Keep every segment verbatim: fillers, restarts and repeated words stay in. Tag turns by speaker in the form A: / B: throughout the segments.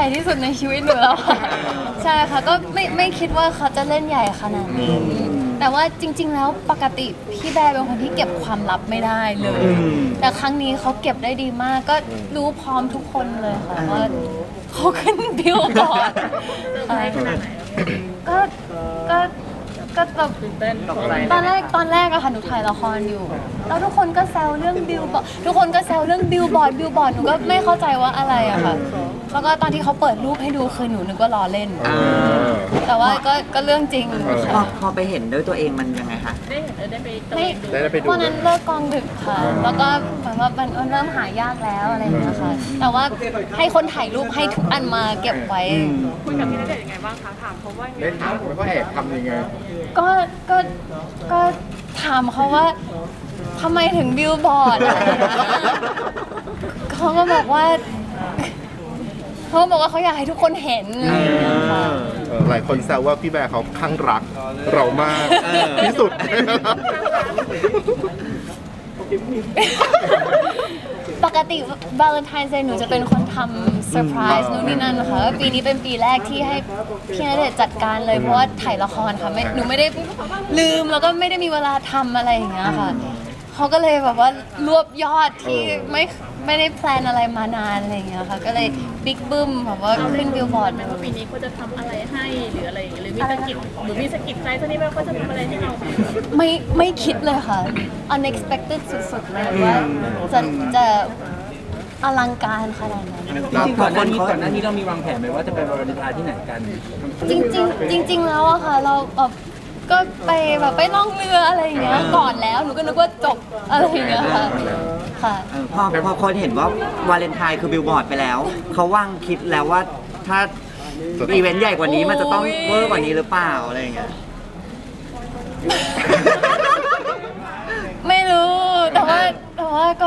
A: ญ่ที่สุดในชีวิตหนูแล้วค่ะใช่ค่ะก็ไม่ไม่คิดว่าเขาจะเล่นใหญ่ขนาดนี้แต่ว่าจริง ๆ แล้วปกติพี่แบร์เป็นคนที่เก็บความลับไม่ได้เลย แต่ครั้งนี้เขาเก็บได้ดีมากก็รู้พร้อมทุกคนเลยค่ะว่าเขาขึ้นบิลบอร์ดก็ก็ก็แบบตอนแรกตอนแรกอะค่ะหนูถ่ายละครอยู่แล้วทุกคนก็แซวเรื่องบิลบอร์ดทุกคนก็แซวเรื่องบิลบอร์ดบิลบอร์ดหนูก็ไม่เข้าใจว่าอะไรอะค่ะแล้วก็ตอนที่เขาเปิดรูปให้ดูคือหนูนึกว่าล้อเล่นแต่ว่าก็ก็เรื่องจริง
B: พอพอไปเห็นด้วยตัวเองมันยังไงคะ
C: ได้เห็นได้ไป
A: ไม่
D: ได้ไปดู
A: วันนั้นเลิกกองดึกค่ะ แล้วก็เหมือนว่ามันมันเริ่มหายากแล้วอะไรอย่างเงี้ยค่ะแต่ว่าให้คนถ่ายรูปให้ทุกอันมาเก็บไว้
C: คุยกับพี่ณเดชน์ยังไงบ้างคะถามเขาว่าไง
D: ได้ถามว่าเขาแอบทำยังไง
A: ก็ก็ก็ถามเขาว่าทำไมถึงบิลบอร์ดอะไรอย่างเงี้ยเขาก็บอกว่าเขาบอกว่าเขาอยากให้ทุกคนเห็นอะไรอย่างเงี้ยค่ะ
D: เออหลายคนแซวว่าพี่แบร์เขาข้างรักเรามากที่สุด
A: ปกติวาเลนไทน์เดย์หนูจะเป็นคนทำเซอร์ไพรส์นู่นนี่นั่นนะคะปีนี้เป็นปีแรกที่ให้พี่ณเดชน์จัดการเลยเพราะว่าถ่ายละครค่ะไม่หนูไม่ได้ลืมแล้วก็ไม่ได้มีเวลาทำอะไรอย่างเงี้ยค่ะเขาก็เลยแบบว่ารวบยอดที่ไม่ไม่ได้แพลนอะไรมานานอะไรอย่างเงี้ยค่ะก็เลยบิ๊กบึ้มแบบว่าขึ้นบิลบอร์ด
C: ไหมว่าปีนี้เขาจะทำอะไรให้หรืออะไรอย่างเงี้ยหรือมีสะกิดหรือมีสะกิดใจตอนนี้ว่าเขาจะทำอะไรให้เราไหม
A: ไม่ไม่คิดเลยค่ะ unexpected สุดๆเลยว่าจะจะอลังการขนาดนั้น
E: จริงๆก่อนหน้านี้ก่อนหน้านี้เรามีวางแผนไหมว่าจะไปวาเลนไทน์ที่ไหนกัน
A: จริงๆจริง ๆ แล้วอะค่ะเราแบบก็ไปแบบไปล่องเรืออะไรอย่างเงี้ยก่อนแล้วหนูก็นึกว่าจบอะไรอย่างเงี้ยค่ะค่ะ
B: เออพอพอคนเห็นว่าวาเลนไทน์คือบิลบอร์ดไปแล้ว เขาว่างคิดแล้วว่าถ้าอีเวนต์ใหญ่กว่านี้มันจะต้องเวอร์กว่านี้หรือเปล่าอะไรอย่างเงี้ย
A: ไม่รู้แต่ว่าแต่ว่าก็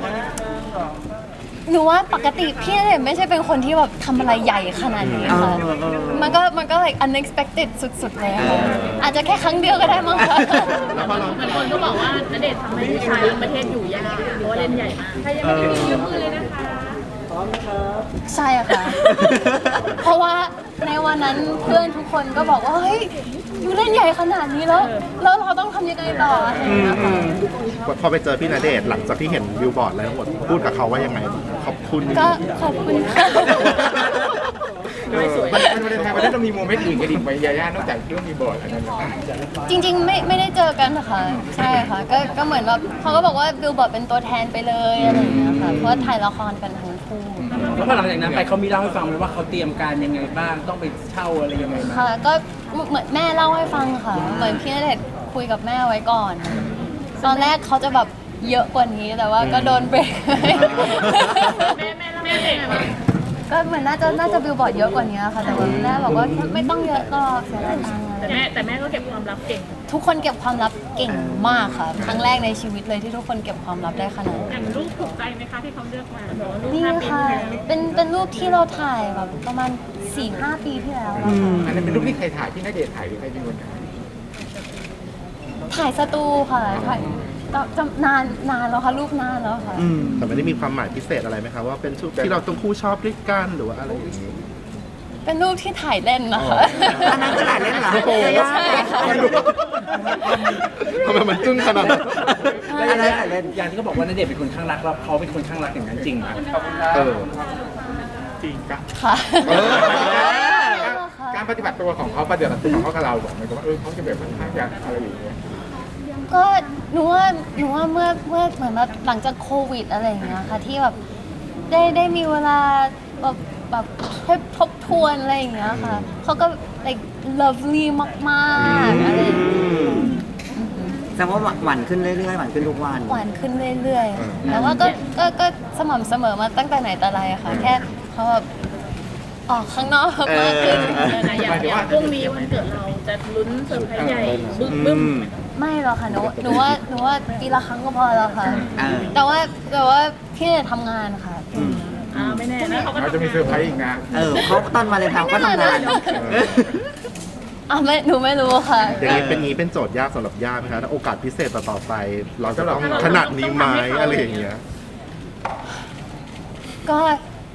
A: หนูว่าปกติพี่ณเดชน์ไม่ใช่เป็นคนที่แบบทำอะไรใหญ่ขนาดนี้ค่ะ
B: เออเออเออ
A: มันก็มันก็ like unexpected สุดๆเลยค่ะอาจจะแค่ครั้งเดียวก็ได้มั้งค่ะ
C: บางคนก็บอกว่าณเดชน์ทำให้ผู้ชายทั้งประเทศอยู่ยากเพราะว่าเล่นใหญ่มากใครยังไม่ได้มียกมือเลยนะคะ
A: ใช่ค่ะ เพราะว่าในวันนั้นเพื่อนทุกคนก็บอกว่าเฮ้ยอยู่เล่นใหญ่ขนาดนี้แล้วแล้วเราต้องทำยังไงต่ออะไรอย่างเงี้ยค่ะ
D: พอไปเจอพี่ณเดชน์หลังจากที่เห็นบิลบอร์ดอะไรทั้งหมดพูดกับเขาว่ายังไงขอบคุณ
A: ก็ขอบคุณค่ะ
C: ไม่สวย
F: มันมันเป็นไทยมันต้องมีโมเมนต์อื่นกันอีกไหมยาย่านอกจากเรื่องมีบอร์ดอันนั้น
A: จริงๆไม่ไม่ได้เจอกันนะคะใช่ค่ะก็ก็เหมือนแบบเขาก็บอกว่าบิลบอร์ดเป็นตัวแทนไปเลยอะไรอย่างเงี้ยค่ะเพราะว่าถ่ายละครกันทั้งคู่
E: แล้วพอหลังจากนั้นไปเขามีเล่าให้ฟังไหมว่าเขาเตรียมการยังไงบ้างต้องไปเช่าอะไรยังไงบ้าง
A: ค่ะก็เหมือนแม่เล่าให้ฟังค่ะเหมือนพี่ณเดชน์คุยกับแม่ไว้ก่อน ตอนแรกเขาจะแบบเยอะกว่านี้แต่ว่าก็โดนเบรก
C: แม่แม่แม่เด็ก
A: ก็เหมือนน่าจะน่าจะบิลบอร์ดเยอะกว่านี้ค่ะแต่ว่าแม่บอกว่าไม่ต้องเยอะก็เสียดายตังค์
C: แต่แม่แต่แม่ก็เก็บความลับเก่ง
A: ทุกคนเก็บความลับเก่งมากค่ะครั้งแรกในชีวิตเลยที่ทุกคนเก็บความลับได้ขนาด
C: อ
A: นี้
C: ย่างรูปถูกใจไหมคะที่เขาเลือกมาบอกว่ารูป
A: นี่
C: ห้าปี
A: ค่ะ
C: ที่แล้ว
A: เป็นเป็นรูปที่เราถ่ายแบบประมาณสี่ห้าปีที่แล้วแล้วค่ะ
F: อันนั้นเป็นรูปที่ใครถ่ายที่ณเดชน์ถ่ายหรือใครเป็นคนถ่าย
A: ถ่ายสตูค่ะถ่ายจำจำนานนานแล้วค่ะรูปนานแล้วค่ะ
D: แต่ไม่ได้มีความหมายพิเศษอะไรไหมครับว่าเป็นชุดที่เราต้องคู่ชอบด้วยกันหรือว่าอะไรอย่างนี้
A: เป็นรูปที่ถ่ายเล่นนะคะ
B: อันนั้นก็ถ่ายเล่นเหรอ
D: โอ้โห
A: ใช่ค่ะ
D: ทำไมมันจึ้งขนาดนั้น
E: แล้วอย่างนี้อย่างที่เขาบอกว่าณเดชน์เป็นคนข้างรักแล้วเขาเป็นคนข้างรักอย่างนั้นจริงไหม
D: เออ
F: จริงกะ
A: ค่ะ
D: เออ
F: การปฏิบัติตัวของเขาปฏิบัติตัวของเขากับเราบอกเหมือนกับว่าเออเขาจะแบบค่อนข้างจะอะไรอย่างเงี้ย
A: ก็หนูว่าหนูว่าเมื่อเมื่อเหมือนแบบหลังจากโควิดอะไรอย่างเงี้ยค่ะที่แบบได้ได้มีเวลาแบบแบบให้ทบทวนอะไรอย่างเงี้ยค่ะเขาก็ like lovely มากๆอะไรอย่างเงี้ย
B: แสดงว่าหวานขึ้นเรื่อยๆหวานขึ้นทุกวัน
A: หวานขึ้นเรื่อยๆค่ะแต่ว่าก็ก็ก็สม่ำเสมอมาตั้งแต่ไหนแต่ไรอะค่ะแค่เขาแบบออกข้างนอกมากขึ้น
C: นะอย่างอย่างพรุ่งนี้วันเกิดเราจะลุ้นเซอร์ไพรส์ใหญ่บึ้มบึ้ม
A: ไม่หรอกค่ะหนูหนูว่าหนูว่าปีละครั้งก็พอแล้วค่ะ
B: อ่า
A: แต่ว่าแต่ว่าพี่เนี่ยทำงานค่ะ
C: อ่าไม่แน่นะเขาก็
F: เราจะมีเซอร์ไพรส์อีกนะ
B: เออเขาตอนวาเลนไทน์ก็ทำงาน
A: อ่ะไม่หนูไม่รู้ค่ะ
D: อย่างนี้เป็นงี้เป็นโจทย์ยากสำหรับย่าไหมคะถ้าโอกาสพิเศษต่อๆไป เราจะต้องขนาดนี้ไหมอะไรอย่างเงี้ย
A: ก็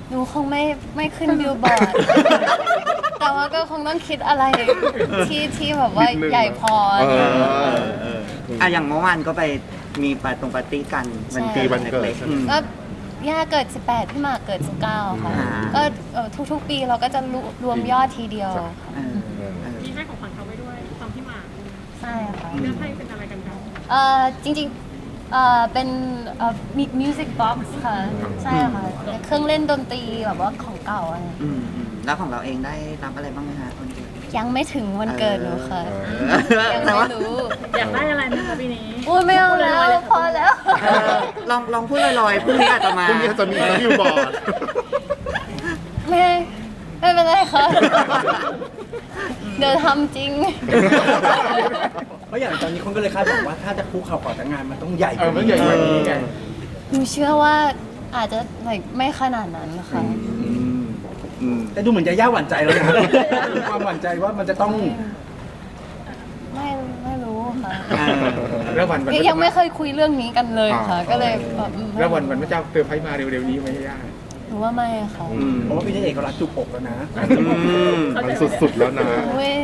A: หนูคงไม่ไม่ขึ้นบิลบอร์ด แต่ว่าก็คงต้องคิดอะไรที่ที่แบบว่าใหญ่พอ
D: เออ
B: อ่ะอย่างเมื่อวานก็ไปมีปาตรงปาร์ตี้กันมัน
A: ใช่
B: ปี
D: วันเกิด
B: ล็ๆอืม
A: ก็ย่าเกิด สิบแปด พี่หมากเกิด สิบเก้า ค่ะ
B: อ่า
A: ก็เอ่อทุกๆ ปีเราก็จะรวรวมยอดทีเดียวค่ะ
B: เออเออ
C: มีให้ของขวัญเขาไว้ด้วยตอนที่มา
A: ใช่ค่ะ
C: เลือกให้เป็นอะไรกันคะ
A: เอ่อจริงๆเอ่อเป็นเอ่อมิวสิกบ็อกซ์ค่ะ ใช่ค่ะเป็นเครื่องเล่นดนตรีแบบว่าของเก่าอะไร
B: อืมอืมแล้วของเราเองได้รับอะไรบ้างไหมฮะวันเกิด
A: ยังไม่ถึงวันเกิดหนูค่ะ ยัง
B: แต่
A: ไม่
B: ว่า
A: รู้
C: อยากได้อะไรไหมคะปีนี้
A: อุ้ยไม่เอาแล้ว พอแล้ว
B: เออลองลองพูดลอยๆพรุ่งนี้อาจจะมา
D: พรุ่งนี้จะมีบิลบอร์ด
A: ไม่ไม่เป็นไรค่ะ เดี๋ยวทำจริง
E: เพราะอย่างตอนนี้คนก็เลยคาดหวังว่าถ้าจะคุกเข่าขอแต่งงานมันต้องใหญ่
F: เออมันใหญ่กว่านี้ไง
A: หนูเชื่อว่าอาจจะ like ไม่ขนาดนั้นค่ะ
B: อืม
E: แต่ดูเหมือนจะย่าหวั่นใจแล้วนะมีความหวั่นใจว่ามันจะต้อง
A: ไม่ไม่รู้ค่ะ
B: เออ
F: แล้ววันวัน
A: ยังไม่เคยคุยเรื่องนี้กันเลยค่ะ ก็เลยแบบอืม
F: แล้ววันวันพระเจ้าเซอร์ไพรส์มาเร็วๆนี้ไหมย่า
A: หนูว่าไม่ค่ะ
B: อืม
E: เพราะว่าพี่ณเดชน์เขารัดจุกอกแล้วนะ
B: อืม
D: มันสุดๆแล้วนะ
A: เว้ย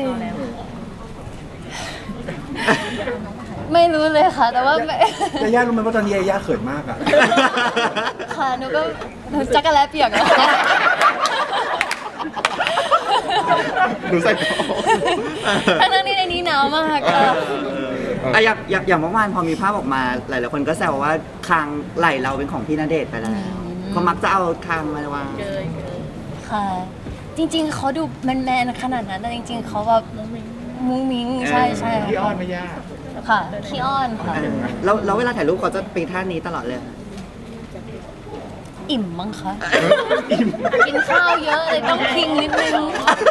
A: ไม่รู้เลยค่ะ แต่ว่าไม่
E: ยาย่ารู้ไหมว่าตอนนี้ยาย่าเขินมากอ่ะ
A: ค่ะหนูก็หนูจักรแลเปียกแล้วค่ะ
D: ดูใส่
A: ทั้งๆที่ในนี้หนาวมากค่ะ
B: อ่ะอย่างอย่างอย่างเมื่อวานพอมีภาพออกมาหลายๆคนก็แซวว่าคางไหลเราเป็นของพี่ณเดชน์ไปแล้วเขามักจะเอาคางมาวาง
C: เกยเกย
A: ค่ะ จริงๆเขาดูแมนๆขนาดนั้นแต่จริงๆเขาแบบมุ้งมิ้งใช่ใช่
F: พี่อ้อนไหม่ย่า
A: ค่ะขี้อ้อนค่ะ
B: แล้วแล้วเวลาถ่ายรูปเขาจะปีท่านี้ตลอดเลย
A: อิ่มมั้งคะกินข้าวเยอะเลยต้องพิงนิดนึง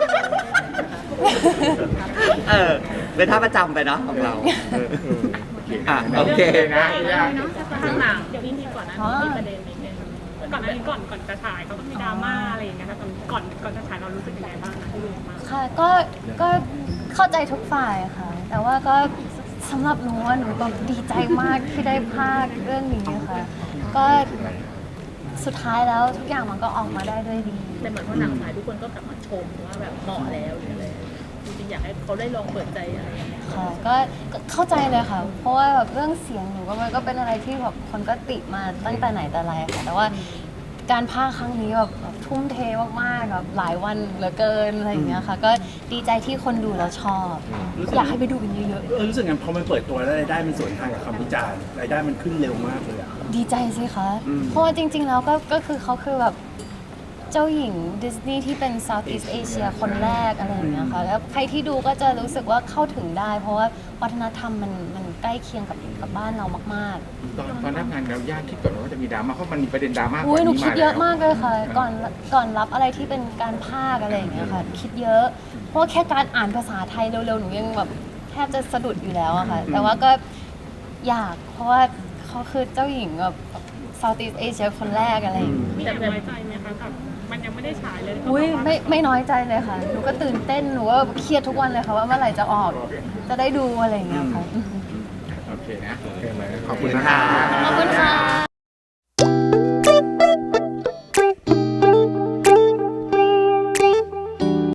B: เออเป็นท่าประจำไปเนาะของเราเอออ่ะโอเค
F: นะย่า
C: ข้างหลังเดี๋ยวพี่มีก่อนนะมีประเด็นนิดนึงก่อนหน้านี้ก่อนก่อนจะฉายเขาต้องมีดราม่าอะไรอย่างเงี้ยค่ะก่อนก่อนจะฉายเรารู้สึกยังไงบ้างนะที่รู้มา
A: ค่ะก็ก็เข้าใจทุกฝ่ายค่ะ แต่ว่าก็สำหรับหนูว่าหนูแบบดีใจมากที่ได้ภาคเรื่องนี้ค่ะ ก็สุดท้ายแล้วทุกอย่างมันก็ออกมาได้ด้วยดี
C: แต่เหมือนว่าหนังฉายทุกคนก็กลับมาชมว่าแบบเหมาะแล้วหรืออะไรจริงๆอยากให้เขาได้ลองเปิดใจอะไรอย่างเงี้ย
A: ค่ะก็ก็เข้าใจเลยค่ะ เพราะว่าแบบเรื่องเสียงหนูก็มันก็เป็นอะไรที่แบบคนก็ติมาตั้งแต่ไหนแต่ไรค่ะ แต่ว่าการพากย์ครั้งนี้แบบแบบทุ่มเทมากๆแบบหลายวันเหลือเกินอะไรอย่างเงี้ยค่ะ ก็ดีใจที่คนดูแล้วชอบ อยากให้ไปดูกันเยอะ
E: เออรู้สึกงั้นพอมันเปิดตัวแล้วรายได้มันสวนทางกับคำวิจารณ์รายได้มันขึ้นเร็วมากเลยอ่ะ
A: ๆ ดีใจสิคะ เพราะว่าจริง ๆ แล้วก็ก็คือเขาคือแบบเจ้าหญิงดิสนีย์ที่เป็น Southeast Asia คนแรกอะไรอย่างเงี้ยค่ะ แล้วใครที่ดูก็จะรู้สึกว่าเข้าถึงได้ เพราะว่าวัฒนธรรมมันมันใกล้เคียงกับกับบ้านเรามากๆ
F: ตอนตอนรับงานเราย่าคิดก่อนว่าจะมีดราม่าเพราะมันมีประเด็นดราม่าก่
A: อุ้
F: อน
A: ยหนู
F: นี้
A: คิด
F: มา
A: เย
F: แล้
A: อะ
F: ว
A: มากเลยค่ะ ก่อนก่อนรับอะไรที่เป็นการพากย์อะไรอย่างเงี้ยค่ะ คิดเยอะ เพราะว่าแค่การอ่านภาษาไทยเร็วๆ หนูยังแบบแทบจะสะดุดอยู่แล้วอะค่ะ แต่ว่าก็อยากเพราะว่าเขาคือเจ้าหญิงแบบ Southeast Asia คนแรกอะไรอย่างเงี้ย
C: มีแอบน้อยใจไหมคะกับมันยังไม่ได้ฉายเลย
A: อุ้ยไม่ไม่น้อยใจเลยค่ะ หนูก็ตื่นเต้น หนูก็เครียดทุกวันเลยค่ะว่าเมื่อไหร่จะออก จะได้ดูอะไรอย่างเงี้ยค่ะ
F: โอเคนะ
D: โอเคไหมขอบคุณนะคะ
A: ขอบคุณค่ะ